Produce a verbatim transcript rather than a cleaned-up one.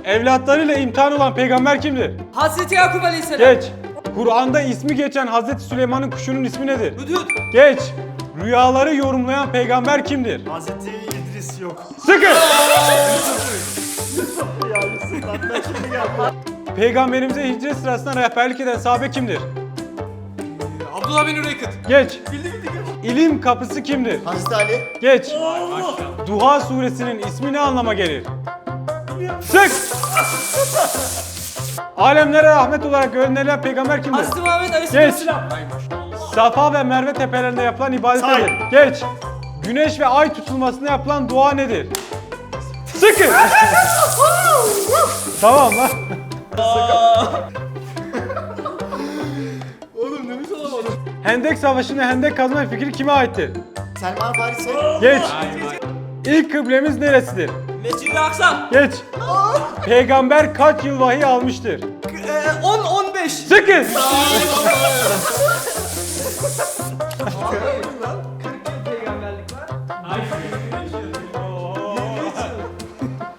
Evlatlarıyla imtihan olan peygamber kimdir? Hazreti Yakup Aleyhisselam. Geç. Kur'an'da ismi geçen Hazreti Süleyman'ın kuşunun ismi nedir? Hudhud. Geç. Rüyaları yorumlayan peygamber kimdir? Hazreti İdris yok. Sıkın. Ya Yusuf lan ben şimdi geldim. Peygamberimize hicret sırasında rehberlik eden sahabe kimdir? Abdullah bin Üreykıt. Geç. İlim kapısı kimdir? Hazreti Ali. Geç. Duha suresinin ismi ne anlama gelir? Sık. Alemlere rahmet olarak gönderilen peygamber kimdir? Hazreti Muhammed Geç. Aleyhisselam. Safa ve Merve tepelerinde yapılan ibadet Say. nedir? Geç. Güneş ve ay tutulmasında yapılan dua nedir? Sıkın. Tamam lan. Oğlum nefes alamadım. Hendek Savaşı'nda hendek kazma fikri kime aittir? Selman Paris'e. Geç. İlk kıblemiz neresidir? Mescid-i Aksa. Geç. Peygamber kaç yıl vahiy almıştır? on on beş. Sıkın.